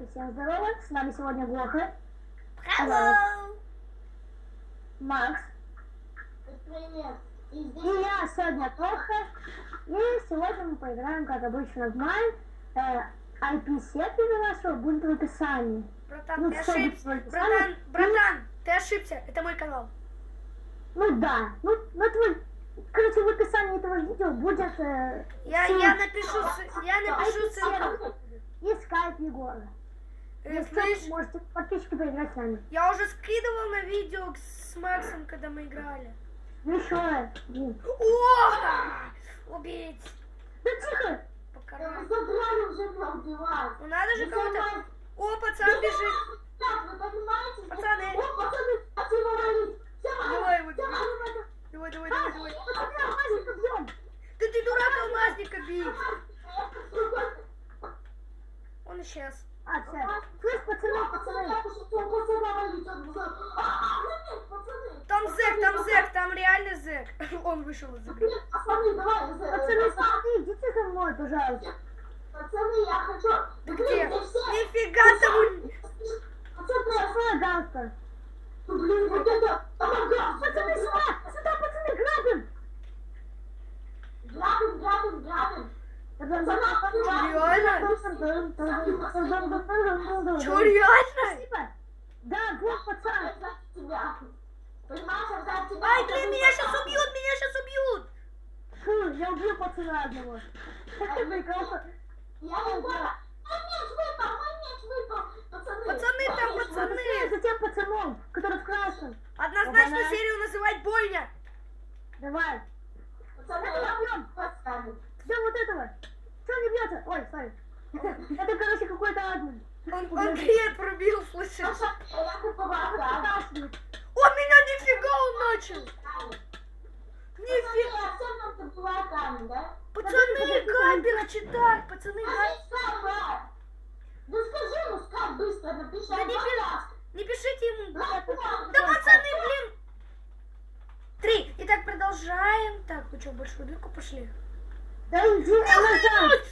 Ребятки, всем здорово, с нами сегодня Гоха. Hello! Макс. Привет! И я сегодня Тоха. И сегодня мы поиграем, как обычно, в Майн. IP-сетки нашего будет в описании. Братан, Ну, ты всё будет ошибся. в описании. Братан, ты ошибся. Это мой канал. Ну да, ну твой... Короче, в описании этого видео будет... Я напишу ссылку. И скайп Егора. Если Слышь, можете подписчики поиграть с нами. я уже скидывал на видео с Максом, когда мы играли. Ну еще, блин. О! Убить! Да тихо! Покарать. Задрали уже меня убивать. Ну надо же кого-то... О, пацан бежит. Так, вы понимаете? Пацаны. О, пацаны, хотим его валить. Давай его Все, бей. валим. Давай. Пацаны, алмазника бьем! Да ты дурак, алмазника бить. Он исчез. А, все. Слышь, пацаны. Я пошутил, пацана валить. Он говорит, ну нет, пацаны. Там зэк, там реально зэк. Он вышел из игры. Нет, пацаны, давай. Пацаны, смотри, идите за мной, пожалуйста. Пацаны, я хочу... Ты Блин, где? да все- Нифига там... Пацаны, Какой ганстер? блин, вот это... Помогай, Пацаны, сюда, пацаны, грабим! Грабим. Чё, реально? Спасибо. Да, вот, пацан. Тебя. Понимаешь, я за тебя. Ай, блин, меня сейчас убьют. Фу, я убью пацана одного. Прикольно. Я не поняла. Мой меч выпал. Пацаны. Пацаны, там пацаны. За тем пацаном, который в красном. Однозначно Опа-на. серию называть больно. Давай. Пацаны, Это я бьем. поставлю. Ждем вот этого. Что не бьется? Ой, сори. Это, короче, какой-то админ. Он клиент пробил, слышишь? Я куповала. Вытаскивает. О, меня нифига он начал. Нифига. Я все равно ты была камень, да? Пацаны, капик читать, пацаны, Скай, да скажи ему, Скай, быстро напиши. Да не Пожалуйста. не пишите ему. Да, Да пацаны, блин. 3. Итак, продолжаем. Так, вы что, большую дырку пошли? Да иди назад.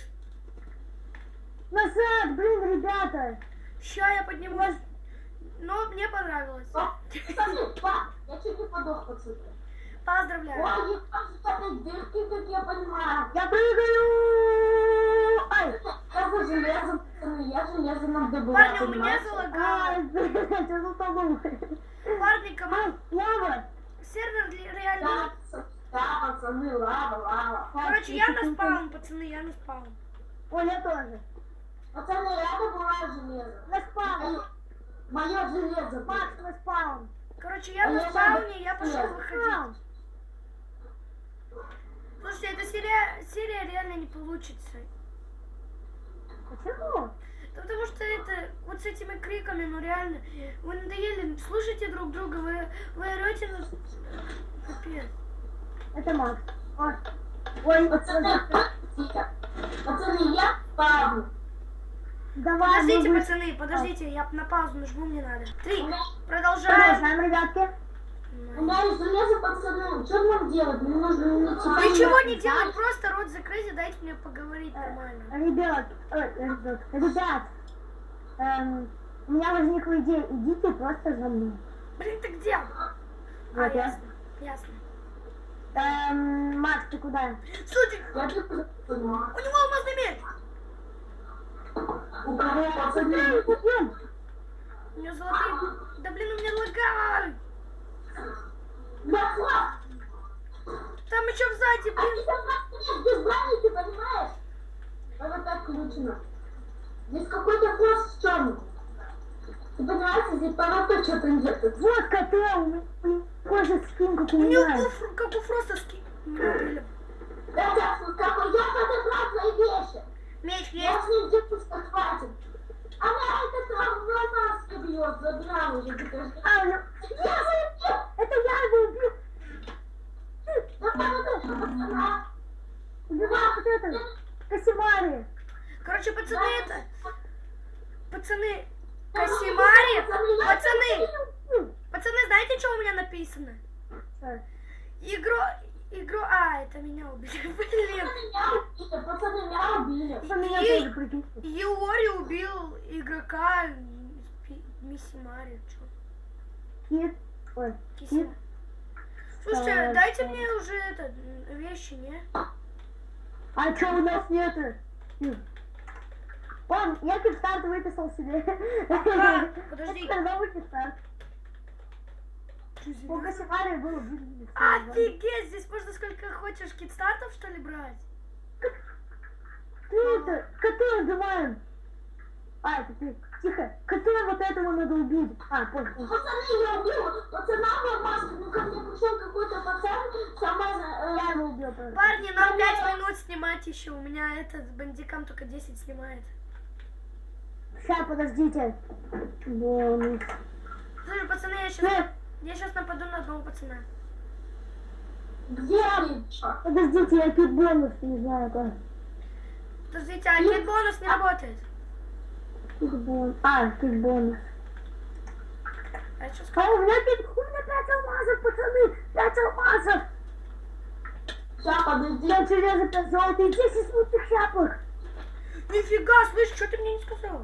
Назад, блин, ребята. Ща я поднимусь. Но мне понравилось. Пацаны, я чуть не подох, пацаны. Поздравляю. Ой, опять дырки, как я понимаю. Я прыгаю. Ай. Я за железом, пацаны, я железом надо Парни, у меня залагало. Ай, блин, я затонул. Парни, Ай, лава. сервер реально... Да, пацаны, лава. Короче, я на спаун, пацаны, я на спаун. Ой, я тоже. Пацаны, я добываю железо. На спаун. Мое железо. Макс, на спаун. Короче, я на спауне, я пошел выходить. Слушайте, эта серия реально не получится. Почему? Да потому что это, вот с этими криками, ну реально, вы надоели, слушайте друг друга, вы орете на... Капец. Это Макс. Ой, Пацаны, я падаю. давай. Подождите, мы пацаны, подождите, я на паузу нажму, мне надо. 3, продолжаем. Продолжаем, ребятки. У меня есть железо, пацаны. Что нам делать? Мне нужно Ничего не делать, просто рот закрыть и дайте мне поговорить нормально. Ребят, у меня возникла идея. Идите просто за мной. Блин, ты где? Вот я. Ясно. Макс, ты куда? Слушай, Я тут у него алмазный меч. У кого, пацаны? Идем. У него золотые... Да блин, у меня лагай. Да, хват! Там еще сзади, А блин. ты там нет без брони, ты понимаешь? Вот так включено. Здесь какой-то хвост в чем? Ты понимаешь, здесь поводок что-то нет. Вот кота, у меня кожа скин, как у У него меня. как у Фроста блин. Это какой я подобрал твои вещи. Меч Я есть. с ним где-то хватит. Она этот маска бьет, забрал уже. А, ну, это я его убил. Да пацаны, Убивай вот это. Косимари. Короче, пацаны, это... Пацаны, Касимари. Пацаны, знаете, что у меня написано? Что? игру... А, это меня убили. Блин. Пацаны, меня убили. Что меня тоже прикинь. Юори убил игрока Мисси Мари. Чё? Кит. Ой, Кисина. кит. Слушайте, Так, дайте так. мне уже это, вещи, не? А что у нас нету? Вон, я кикстарт выписал себе. Подожди. Когда вы кикстарт? У Касимари было блин. Офигеть, здесь можно сколько хочешь китстартов, что ли, брать? Ты это, кота убиваем. А, это ты. Тихо. Кота вот этого надо убить. А, понял. Пацаны, я убил. Пацана в маске. Ну, ко мне пришел какой-то пацан. Сама... Я его убил тоже. Парни, нам 5 минут снимать еще. У меня этот бандикам только 10 снимает. Сейчас, подождите. Бонус. Слушай, пацаны, я сейчас нападу на одного пацана. Где они? Подождите, я тут бонус, не знаю как. Подождите, а нет, бонус не работает. Тут бонус. А, тут бонус. А что А у меня тут у меня 5 алмазов, пацаны! 5 алмазов! Сейчас, подожди. 5 железа, 5 золота и 10 смутных шапок! Нифига, слышь, что ты мне не сказал?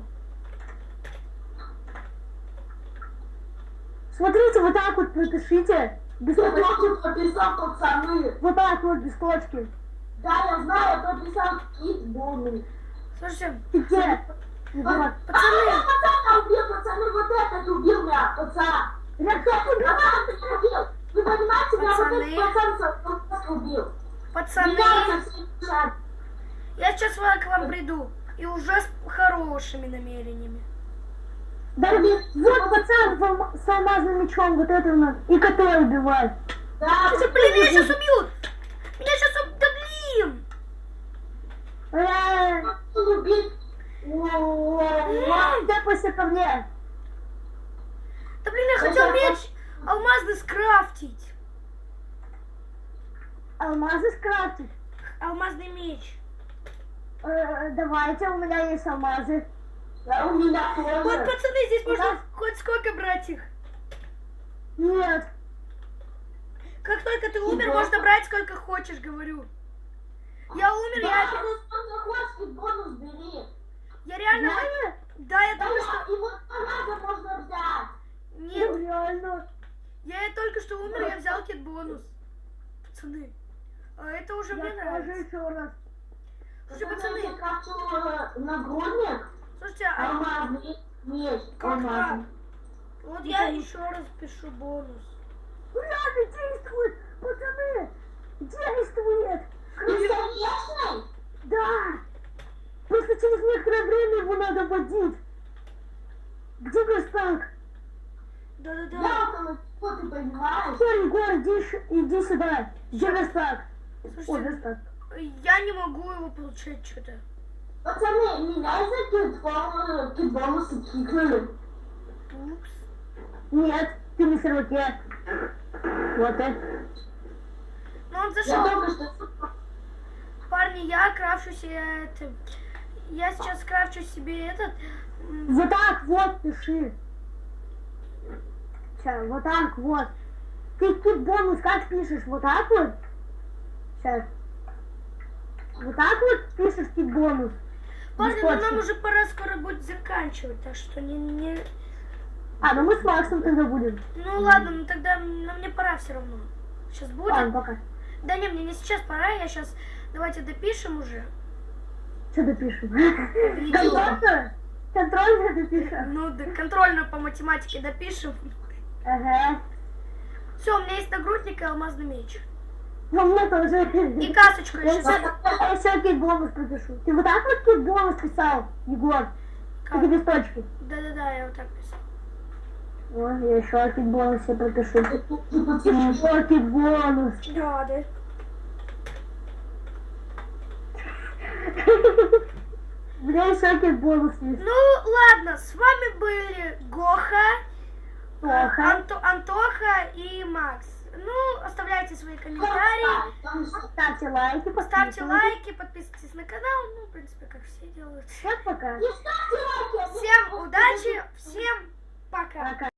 Смотрите, вот так вот пропишите. Без Я точки. тоже прописал, пацаны. Вот так вот, без точки. Да, я знаю, я прописал кит бонус. Слушайте, Ты где? Вот. Пацана убил, пацаны, вот этот убил меня, пацан. Я кто убил? Пацан, ты убил. Вы понимаете, меня вот Пацаны. этот пацан убил. пацаны, Меня совсем жаль. я сейчас к вам приду. И уже с хорошими намерениями. Да, вот пацан с алмазным мечом, вот это у нас. И который убивает. Да, Слушай, блин, меня сейчас убьют! Меня сейчас убьют! Да блин! убить. Тэпайся ко мне. Да блин, я хотел меч алмазный скрафтить. Алмазы скрафтить. Алмазный меч. Давайте, у меня есть алмазы. Да, у меня Вот, тоже. пацаны, здесь можно Да. хоть сколько брать их. Нет. Как только ты умер, Да. можно брать сколько хочешь, говорю. Я умер, Да, ты сколько хочешь, кит бонус бери. я реально... Реально? Да, я Да, только что... и вот алмазы можно взять. Нет, Ну, реально. я только что умер, я взял кит-бонус. Пацаны, а это уже мне Я тоже нравится. еще раз. Слушай, Пацаны, я пацаны, крафтил нагрудник, слушайте, а алмазный меч, как алмазный. так? Вот я еще раз пишу бонус. Реально действует, пацаны. Действует. Бесконечный? Да. Просто через некоторое время его надо водить. Где верстак? Да-да-да. Я около чего, ты понимаешь? Все, Егор, иди сюда. Где верстак? О, Слушайте, верстак. я не могу его получать что-то. Пацаны, меня из-за кит-бонуса кикнули. Упс. Нет, ты на серваке. Вот это. Ну он Я зашел. только что... Парни, я крафчу себе это. Я сейчас крафчу себе этот. Вот так вот пиши. Сейчас, вот так вот. Ты тут бонус как пишешь? Вот так вот? Сейчас. Вот так вот пишешь ты бонус. Парни, ну нам Бесконечно. уже пора скоро будет заканчивать, так что не... А, ну мы с Максом тогда будем. Ну ладно, ну тогда мне пора все равно. Сейчас будет. Ладно, пока. Да не, мне не сейчас пора, я сейчас... Давайте допишем уже. Что допишем? Видео. Контрольно? Контрольно допишем? Ну, да, контрольную по математике допишем. Ага. Все, у меня есть нагрудник и алмазный меч. Ну, мне тоже. И касочку Я еще. еще кит-бонус пропишу. Ты вот так вот кит-бонус писал, Егор? Как? Или без точки? Да-да-да, я вот так писал. О, я еще кит-бонус себе пропишу. Еще кит-бонус. Да, да. Бля, еще кит-бонус есть. Ну, ладно, с вами были Гоха, Плохо. Антоха и Макс. Ну, оставляйте свои комментарии, Ставьте лайки, ставьте подписывайтесь. лайки, подписывайтесь на канал. Ну, в принципе, как все делают. Всем пока. Не ставьте лайки, а не Всем удачи, всем пока. Пока.